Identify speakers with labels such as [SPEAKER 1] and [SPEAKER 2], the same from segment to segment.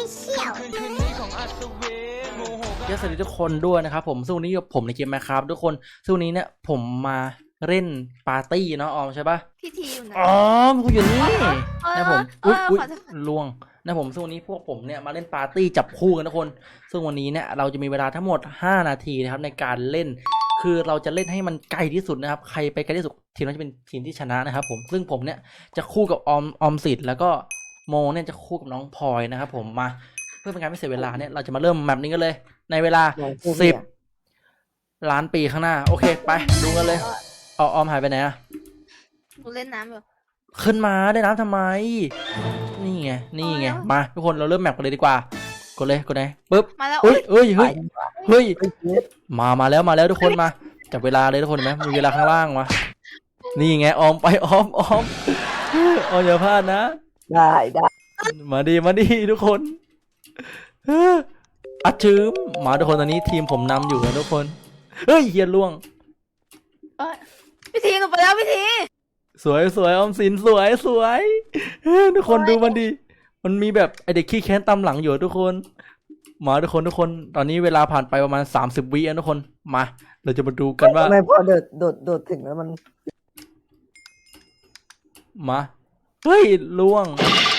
[SPEAKER 1] Official
[SPEAKER 2] สวัสดีทุกคนด้วยนะครับผมซึ่งวันนี้ผมในเกม Minecraft ทุกคนซึ่งวันนี้เนี่ยผมมาเล่นปาร์ตี้เนาะออมใช่ปะ
[SPEAKER 3] พี่ทีอยู่ไหน
[SPEAKER 2] อ๋อกูอยู่นี่นะผมอุ๊ย
[SPEAKER 3] ขอโทษ
[SPEAKER 2] ล่วงนะผมซึ่งวันนี้พวกผมเนี่ยมาเล่นปาร์ตี้จับคู่กันทุกคนซึ่งวันนี้เนี่ยเราจะมีเวลาทั้งหมด5นาทีนะครับในการเล่นคือเราจะเล่นให้มันไกลที่สุดนะครับใครไปไกลที่สุดทีมนั้นจะเป็นทีมที่ชนะนะครับผมซึ่งผมเนี่ยจะคู่กับออมสิทธิ์แล้วก็โมเนี่ยจะคู่กับน้องพลอยนะครับผมมาเพื่อเป็นการไม่เสียเวลาเนี่ยเราจะมาเริ่มแมปนี้กันเลยในเวลา10 ล้านปีข้างหน้าโอเคไปดูกันเลยออมหายไปไหนอะ
[SPEAKER 3] หนูเล่นน้ำอยู่
[SPEAKER 2] ขึ้นมาได้น้ำทำไมนี่ไงมาทุกคนเราเริ่มแมปกันเลยดีกว่ากดเลยปึ๊บ
[SPEAKER 3] มาแล้ว
[SPEAKER 2] เฮ้ยมาแล้วทุกคนมาจับเวลาเลยทุกคนเห็นไหมมีเวลาข้างล่างมานี่ไงออมไปออมอย่าพลาดนะ
[SPEAKER 1] ได้
[SPEAKER 2] มาดีทุกคนอัดชืมมาทุกคนตอนนี้ทีมผมนำอยู่นะทุกคนเฮ้ยเฮียล่วง
[SPEAKER 3] พี่ทีหนูไปแล้วพี่ที
[SPEAKER 2] สวยออมสินสวยทุกคนดูมันดีมันมีแบบไอเด็กขี้แค้นตามหลังอยู่ทุกคนมาทุกคนตอนนี้เวลาผ่านไปประมาณ30 วิทุกคนมาเราจะมาดูกันว่า
[SPEAKER 1] ทำไมพอโดดถึงแล้วมัน
[SPEAKER 2] มาเฮ้ยล่วง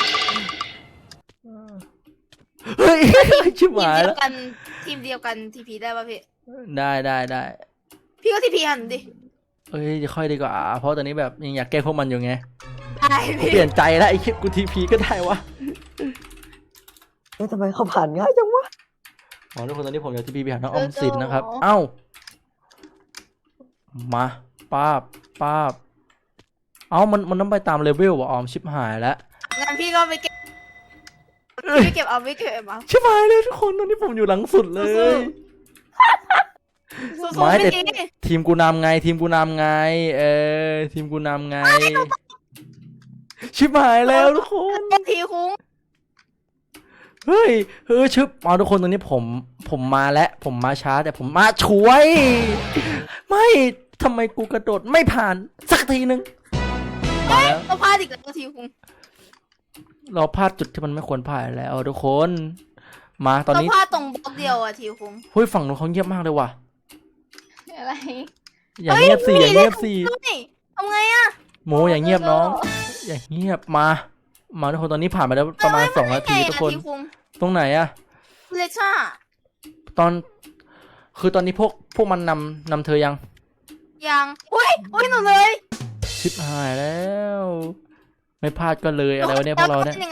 [SPEAKER 2] เฮ้ยชิบหายแล้ว
[SPEAKER 3] ทีมเดียวกันทีพีได้ป่ะพี่
[SPEAKER 2] ได้
[SPEAKER 3] พี่ก็ทีพีหันดิ
[SPEAKER 2] เอ้ยจะค่อยดีกว่าเพราะตอนนี้แบบยังอยากแกล้งพวกมันอยู่ไง
[SPEAKER 3] ใช่พี่
[SPEAKER 2] เปลี่ยนใจแล้วไอ้คิดกูทีพีก็ได้วะ
[SPEAKER 1] ทำไมเขาผ่านง่ายจังวะ
[SPEAKER 2] อ๋อทุกคนตอนนี้ผมอยากทีพีไปหาน้องออมสินนะครับเอ้ามาป้าบเอ้ามันต้องไปตามเลเวลว่ะออมชิบหายแล้ว
[SPEAKER 3] งั้นพี่ก็ไปเก็บเอาไม่เก็บเอา
[SPEAKER 2] ชิบหายเลยทุกคนตอนนี้ผมอยู่หลังสุดเลย
[SPEAKER 3] สู้
[SPEAKER 2] ไม่
[SPEAKER 3] ๆ
[SPEAKER 2] แต่
[SPEAKER 3] พี่ที
[SPEAKER 2] ทีมกูนำไงทีมกูนำไงชิบหายแล้วทุกคน
[SPEAKER 3] ทีคุ้ง
[SPEAKER 2] เฮ้ยชึบเอาทุกคนตอนนี้ผมมาแล้วผมมาช้าแต่ผมมาช่วย ไม่ทำไมกูกระโดดไม่ผ่านสักทีนึงมาแล้ว
[SPEAKER 3] เราพลาดอีกแล้วทีคุ้ง
[SPEAKER 2] เราพลาดจุดที่มันไม่ควรพลาดแล้วทุกคนมาตอน
[SPEAKER 3] เรา
[SPEAKER 2] นี้
[SPEAKER 3] พลาดตรงบล็อกเดียวอะทีคุ้ง
[SPEAKER 2] เฮ้ยฝั่งนู้นเขาเงียบมากเลยว่ะ
[SPEAKER 4] อะไร
[SPEAKER 2] อย่างเงียบสิ
[SPEAKER 3] ทำไงอะ
[SPEAKER 2] โมอย่างเงียบน้องอย่างเงียบมาทุกคนตอนนี้ผ่านไปแล้วประมาณ2 นาทีทุกคนตรงไหนอะ
[SPEAKER 3] เลช่า
[SPEAKER 2] คือตอนนี้พวกมันนำเธอยัง
[SPEAKER 3] อุ้ยหนูเลย
[SPEAKER 2] ชิบหายแล้ว ไม่พลาดก็เลยอะไรวะเนี่ยพวกเราเนี่ย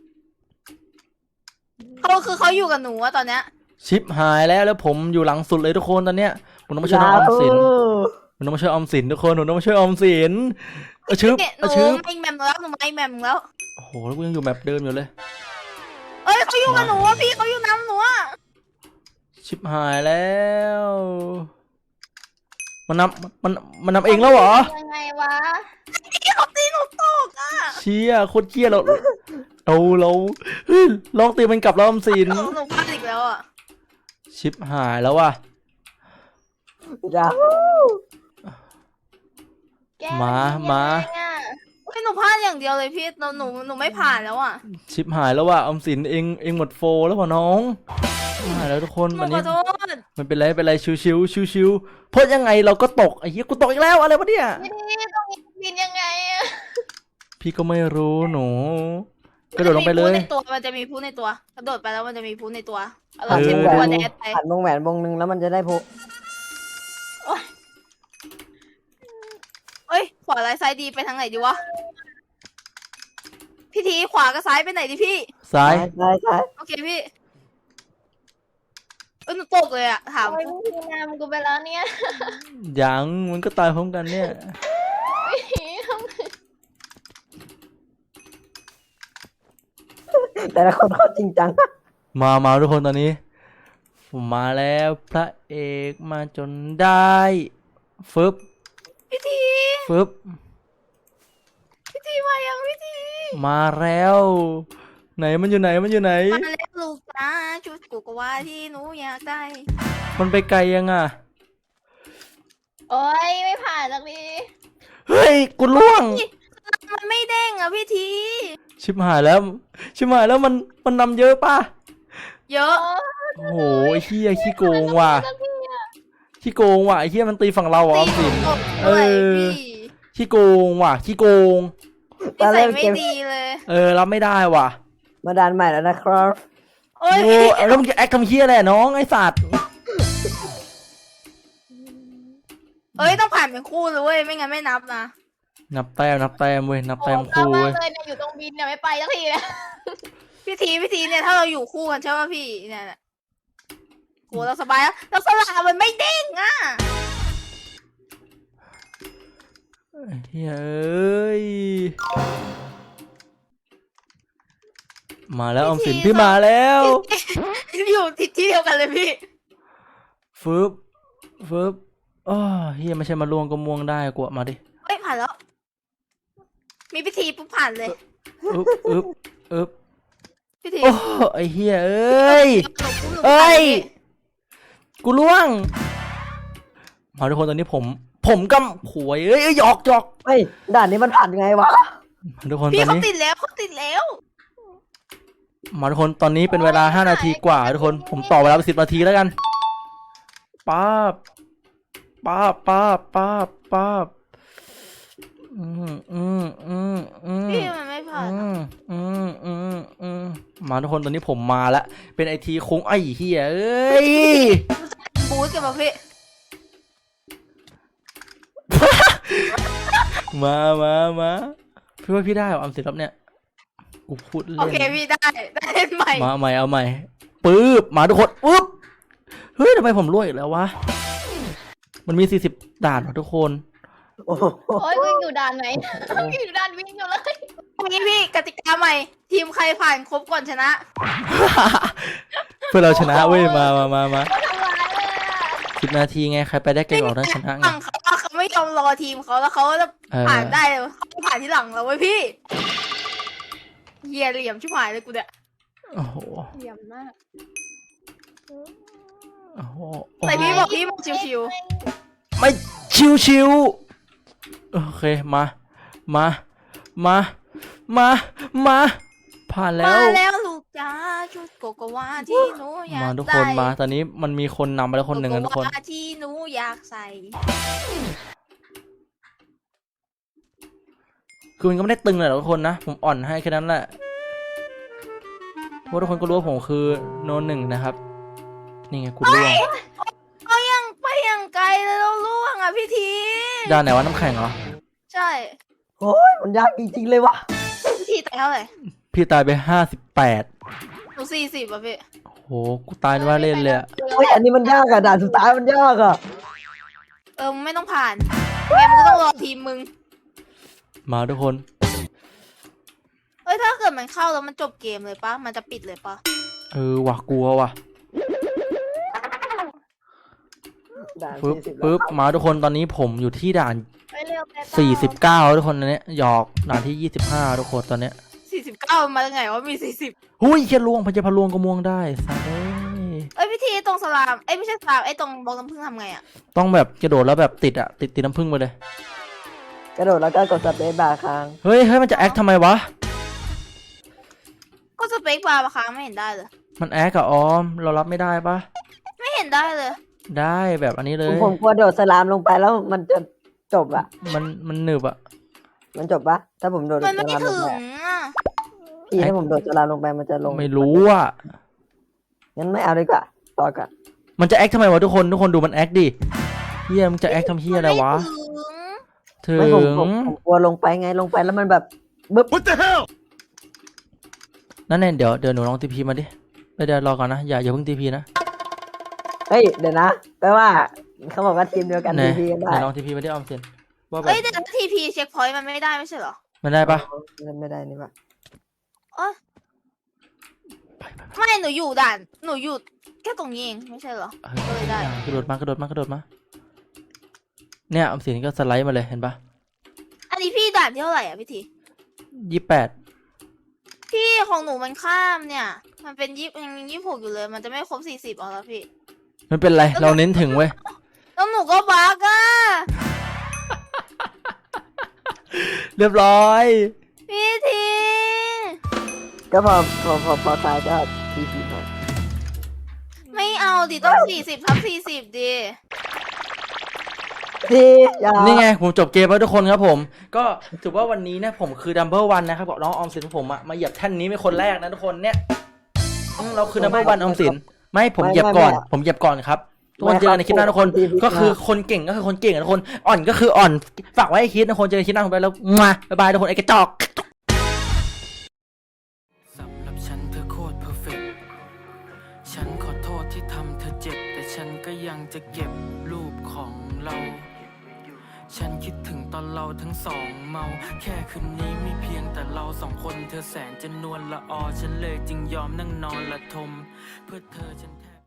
[SPEAKER 3] เขาอยู่กับหนูอะตอนเนี้ย
[SPEAKER 2] ชิบหายแล้วผมอยู่หลังสุดเลยทุกคนตอนเนี้ยผมต้องมาช่วยน้องออมสินผมต้องมาช่วยออมสินทุกคนผมต้องมาช่วยออมสินชึบ
[SPEAKER 3] หนูไม่แมมแล้วหนูไม่แมมแล้ว
[SPEAKER 2] โอ้โหแล้วกูยังอยู่แบบเดิมอยู่เลย
[SPEAKER 3] เขาอยู่กับหนูอะพี่เขาอยู่น้ำหนูอะ
[SPEAKER 2] ชิบหายแล้วมันนำเองแล้วเหรอ
[SPEAKER 4] ยังไงวะ
[SPEAKER 3] เขาตีหนูตกอะ
[SPEAKER 2] เชี่ยโคตรเกี้ยเราเฮ้ยลองตีมันกลับแล้วออมสิน
[SPEAKER 3] หนูพลาดอีกแล้วอะ
[SPEAKER 2] ชิบหายแล้วว่ะ
[SPEAKER 1] จ้า
[SPEAKER 4] แก
[SPEAKER 2] มา
[SPEAKER 4] ยังไงอะ
[SPEAKER 3] หนูพลาดอย่างเดียวเลยพี่หนูไม่ผ่านแล้วอะ
[SPEAKER 2] ชิบหายแล้วว่ะออมสินเองหมดโฟแล้วว่ะน้องหายแล้วทุกคน
[SPEAKER 3] หนู
[SPEAKER 2] วัน
[SPEAKER 3] ขอ
[SPEAKER 2] นี้
[SPEAKER 3] โทษ
[SPEAKER 2] มันเป็นไรชิวเพราะยังไงเราก็ตกไอ้เหี้ยกูตกอีกแล้วอะไรวะเนี่ย
[SPEAKER 4] พี่ทีตรงนี้บินยังไงอะ
[SPEAKER 2] พี่ก็ไม่รู้หนูกระโดดลงไปเลย
[SPEAKER 3] มันจะมีพูในตัวกระโดดไปแล้วมันจะมีพูในตัว
[SPEAKER 1] ผ่าน
[SPEAKER 3] เช็
[SPEAKER 1] ว
[SPEAKER 3] ด
[SPEAKER 1] งแหว
[SPEAKER 3] ตัวน แดดไป
[SPEAKER 1] ผ่านวงแหวนวงนึงแล้วมันจะได้พก
[SPEAKER 3] ขวาซ้ายดีไปทางไหนดีวะพี่ทีขวากับซ้ายไปไหนดีพี่
[SPEAKER 2] ซ้าย
[SPEAKER 1] ใช่
[SPEAKER 3] โอเคพี่หนูตกเลยอะถาม
[SPEAKER 4] โอ้ยพี่นำกูไปแล้วเนี่ย
[SPEAKER 2] ยังมันก็ตายพร้อมกันเนี่ย
[SPEAKER 1] แต่ละคนเขาจริงจัง
[SPEAKER 2] มาทุกคนตอนนี้ผมมาแล้วพระเอกมาจนได้ฟึบ
[SPEAKER 3] พี่ที
[SPEAKER 2] ฟึบ
[SPEAKER 3] มายังพี่ที
[SPEAKER 2] มาแล้ว ไหนมันอยู่ไหน
[SPEAKER 3] มาแล้วลูกจ้าชุดกูก็ว่าที่หนูอยากได้
[SPEAKER 2] มันไปไกลยังอ่ะ
[SPEAKER 4] โอ้ยไม่ผ่านสักที
[SPEAKER 2] เฮ้ยกูล่วง
[SPEAKER 3] มันไม่เด้งอะพี่ที
[SPEAKER 2] ชิบหายแล้วมันนำเยอะป่ะ
[SPEAKER 3] เยอะ
[SPEAKER 2] โอ้โหไอ้เฮียขี้โกงว่ะขี้โกงว่ะไอ้เฮียมันตีฝั่งเราอ่ะออมสิน
[SPEAKER 3] ตบด้วยพี่
[SPEAKER 2] ขี้โกงว่ะขี้โกง
[SPEAKER 3] นิสัยไม่ดีเลย
[SPEAKER 2] รับไม่ได้ว่ะ
[SPEAKER 1] มาด่านใหม่แล้วนะครับ
[SPEAKER 3] โอ้ย
[SPEAKER 2] โอ้แล้วมึงจะแอคทำเฮียอะไรน้องไอ้สัตว์
[SPEAKER 3] เอ้ยต้องผ่านเป็นคู่เลยเว้ยไม่งั้นไม่นับนะ
[SPEAKER 2] นับแต้มเว้ยนับแต้ม
[SPEAKER 4] โอ้
[SPEAKER 2] คู่
[SPEAKER 4] มา
[SPEAKER 2] เว้ย
[SPEAKER 4] เลยเนี่ยอยู่ตรงบินเนี่ยไม่ไปสักทีเนี่ย
[SPEAKER 3] พิธีเนี่ยถ้าเราอยู่คู่กันใช่ป่ะพี่เนี่ยน่ะโหเราสบายแล้วเราสลามันไม่เด้งอ่ะ
[SPEAKER 2] เฮ้ยเอ้ยมาแล้วออมสินพี่มาแล้ว
[SPEAKER 3] อยู่ที่เดียวกันเลยพี่
[SPEAKER 2] ฟึบอ้อเฮียไม่ใช่มาล่วงก็ม่วงได้กว่ามาดิ
[SPEAKER 3] เอ้ยผ่านแล้ว มีพิธีปุ๊บผ่านเลย
[SPEAKER 2] อึบ
[SPEAKER 3] พิธี
[SPEAKER 2] โอ้ไอเฮียเอ้ย เอ้ย กูล่วง มาทุกคนตอนนี้ผมกำขวยเอ้ยหยอก
[SPEAKER 1] เฮ้ยด่านนี้มันผ่านไงวะ
[SPEAKER 2] มาทุกคนต
[SPEAKER 3] พี่
[SPEAKER 2] อน
[SPEAKER 3] เขา
[SPEAKER 2] นี้
[SPEAKER 3] ติดแล้วเขาติดแล้ว
[SPEAKER 2] มาทุกคนตอนนี้เป็นเวลา5 นาทีกว่าทุกคนผมต่อเวลาไป10 นาทีแล้วกันป๊าบ
[SPEAKER 3] พี่มันไม่ผ่านอะ
[SPEAKER 2] มาทุกคนตอนนี้ผมมาแล้วเป็นไอทีคุ้งไอ้เฮียเอ้ย
[SPEAKER 3] บูสกันป่ะพี่
[SPEAKER 2] มาพี่ว่าพี่ได้เหรอออมสินรอบเนี่ยกูพูดเล่น
[SPEAKER 3] โอเคพี่ได้เล่นใหม่
[SPEAKER 2] มาใหม่เอาใหม่ปึ๊บมาทุกคนปึ๊บเฮ้ยทำไมผมรวยอีกแล้ววะมันมี40 ด่านว่ะทุกคน
[SPEAKER 1] โอ้โห
[SPEAKER 4] โอ้ยวิ่งอยู่ด่านไหน อยู่ด่านวิ่งอยู่เลย
[SPEAKER 3] นี่พี่กติกาใหม่ ทีมใครผ่านครบก่อนชนะ
[SPEAKER 2] เพื่อเราชนะเว้ยมา
[SPEAKER 4] ทำร้ายเลยอะ
[SPEAKER 2] 10 นาทีไงใครไปได้เก่งกว่านั้นชนะไง
[SPEAKER 3] ฝั่งเขาไม่ยอมรอทีมเขาแล้วเขาจะผ่านได้เลยเขาผ่านที่หลังเราไว้ยพี่เฮียเหลี่ยมชิบหายเลยกูเนี่ย
[SPEAKER 2] โอ้โห
[SPEAKER 4] เหลี่ยมมาก
[SPEAKER 2] โอ้โห
[SPEAKER 3] แต่พี่บอกชิว
[SPEAKER 2] ไม่ชิวโอเคมาผ่าน
[SPEAKER 3] ๆ
[SPEAKER 2] แล้
[SPEAKER 3] มาว แล้วลูกจ้าชุดโกโกวาที่หนูอยาก
[SPEAKER 2] มาทุก
[SPEAKER 3] ได้
[SPEAKER 2] คนมาตอนนี้มันมีคนนำไปแล้วคนหนึ่งนะทุกคน
[SPEAKER 3] โโวาที่หนูอยากใส่
[SPEAKER 2] คือมันก็ไม่ได้ตึงเลยหรอกทุกคนนะผมอ่อนให้แค่นั้นแหละเพราะทุกคนก็รู้ว่าผมคือโนหนึ่งนะครับนี่ไงกูร่วง
[SPEAKER 3] ไปยังไกลเลยเราล่วงอ่ะพี่ที
[SPEAKER 2] ด้านไหนวะน้ำแข็งเหรอ
[SPEAKER 3] ใช่
[SPEAKER 1] โอ้ยมันยากจริงๆเลยวะ
[SPEAKER 3] พี่ทีแต่เท่าไหร่
[SPEAKER 2] พี่ตายไป58
[SPEAKER 3] หนู40อ่ะพี่
[SPEAKER 2] โหกูตายว่าเล่นเลยอะ
[SPEAKER 1] โอ้ยอันนี้มันยากอะด่านสุดท้ายมันยากอะ
[SPEAKER 3] มึงไม่ต้องผ่านแม่มึงก็ต้องรอทีมมึง
[SPEAKER 2] มาทุกคน
[SPEAKER 3] ถ้าเกิดมันเข้าแล้วมันจบเกมเลยปะมันจะปิดเลยปะ
[SPEAKER 2] ว่ะกลัวว่ะ
[SPEAKER 1] ด่าน
[SPEAKER 2] ปึ๊บ
[SPEAKER 1] 40
[SPEAKER 2] ปึ๊บมาทุกคนตอนนี้ผมอยู่ที่ด่าน
[SPEAKER 4] ไปเร็วไปเปล่า
[SPEAKER 2] 49ทุกคนตอนเนี้ยหยอกด่านที่25ทุกคนตอนเนี้ย
[SPEAKER 3] 49มาได้ไงว่ามี40
[SPEAKER 2] หุ้ยเคียลวงพันจะพะลวงก็ม่วงได้สัตว์เอ้ย
[SPEAKER 3] พี่ทีตรงสลามไม่ใช่สลามตรงบล็อกน้ำผึ้งทำไงอ่ะ
[SPEAKER 2] ต้องแบบกระโดดแล้วแบบติดน้ำผึ้งไปเลย
[SPEAKER 1] กระโดดแล้วก็กดสเปซบาร์ค้าง
[SPEAKER 2] เฮ้ยมันจะแอคทำไมวะ
[SPEAKER 3] ก็สเปคบาร์มาค้างไม่เห็นได้เลย
[SPEAKER 2] มันแอคกับออมเรารับไม่ได้ปะ
[SPEAKER 3] ไม่เห็นได้เลย
[SPEAKER 2] ได้แบบอันนี้เลย
[SPEAKER 1] ผมกลัวโดดสลามลงไปแล้วมันจะจบอะ
[SPEAKER 2] มันหนึบอะ
[SPEAKER 1] มันจบปะถ้าผมโดด
[SPEAKER 3] มัน
[SPEAKER 1] ส
[SPEAKER 3] ไม่
[SPEAKER 1] ลามล
[SPEAKER 3] ถึ
[SPEAKER 1] ง
[SPEAKER 3] ง
[SPEAKER 1] ไป
[SPEAKER 3] อ่ะ
[SPEAKER 1] พี่ให้ผมโดดสลามลงไปมันจะลง
[SPEAKER 2] ไม่รู้อะ
[SPEAKER 1] งั้นไม่เอาดีกว่าต่อกัน
[SPEAKER 2] มันจะแอคทำไมวะทุกคนดูมันแอคดิเฮียมึงจะแอคทำเฮียอะไรวะ
[SPEAKER 3] มันม่ถึง
[SPEAKER 2] ถึ
[SPEAKER 1] ไม่ผม
[SPEAKER 2] ง
[SPEAKER 1] กลัวลงไปไงลงไปแล้วมันแบบบึ๊บ
[SPEAKER 2] นั่นแน่เดี๋ยวหนูลองทีพีมาดิเดี๋ยวรอก่อนนะอย่าเพิ่งทีพีนะ
[SPEAKER 1] เฮ้ยเดี๋ยวนะแปลว่าเขาบอกว่าทีมเดียวกัน
[SPEAKER 2] ไหน
[SPEAKER 1] ทีกันได้
[SPEAKER 2] ไหนลองทีพีมาดิออมสินว่าแบบ
[SPEAKER 3] แต่ทีพีเช็คพอยต์มันไม่ได้ไม่ใช่เหรอ
[SPEAKER 2] มันได้ปะ
[SPEAKER 1] มันไม่ได้นี่ปะ
[SPEAKER 3] ไม่หนูอยู่ด่านหนูอยู่แค่ตรงนี้เองไม่ใช่เหรอ ก็เลยได้
[SPEAKER 2] กระโดดมากระโดดมาเนี่ยออมสินก็สไลด์มาเลยเห็นปะ
[SPEAKER 3] อันนี้พี่ด่านที่เท่าไหร่อ่ะพี่ที
[SPEAKER 2] 28
[SPEAKER 3] พี่ของหนูมันข้ามเนี่ย มันเป็นยัง26อยู่เลย มันจะไม่ครบ40เอาแล้วพี่
[SPEAKER 2] มันเป็นไรเราเน้นถึงเว้ย
[SPEAKER 3] แล้วหนูก็บั๊กอ่ะ
[SPEAKER 2] เรียบร้อย
[SPEAKER 3] พี่ที
[SPEAKER 1] ก็พอตายก็ทีมา
[SPEAKER 3] เอาดิต้อง40/40ดิ
[SPEAKER 1] ทีอย่า
[SPEAKER 2] นี่ไงผมจบเกมแล้วทุกคนครับผมก็ถือว่าวันนี้เนี่ยผมคือดัมเบิลวันนะครับบอกน้องออมสินผมมาเหยียบแท่นนี้เป็นคนแรกนะทุกคนเนี่ยเราคือดัมเบิลวันออมสินไม่ผมเหยียบก่อนผมเหยียบก่อนครับทุกคนเจอกันในคลิปหน้าทุกคนก็คือคนเก่งก็คือคนเก่งนะทุกคนอ่อนก็คืออ่อนฝากไว้ให้คิดนะทุกคนเจอกันคลิปหน้าผมไปแล้วมาบ๊ายบายทุกคนไอ้กระจอกสำหรับฉันเธอโคตรเพอร์เฟกต์ฉันขอโทษที่ทำเธอเจ็บแต่ฉันก็ยังจะเก็บรูปของเราฉันคิดถึงตอนเราทั้งสองเมาแค่คืนนี้มีเพียงแต่เราสองคนเธอแสนจะนวลละออฉันเลยจึงยอมนั่งนอนละทมเพื่อเธอฉันแทบ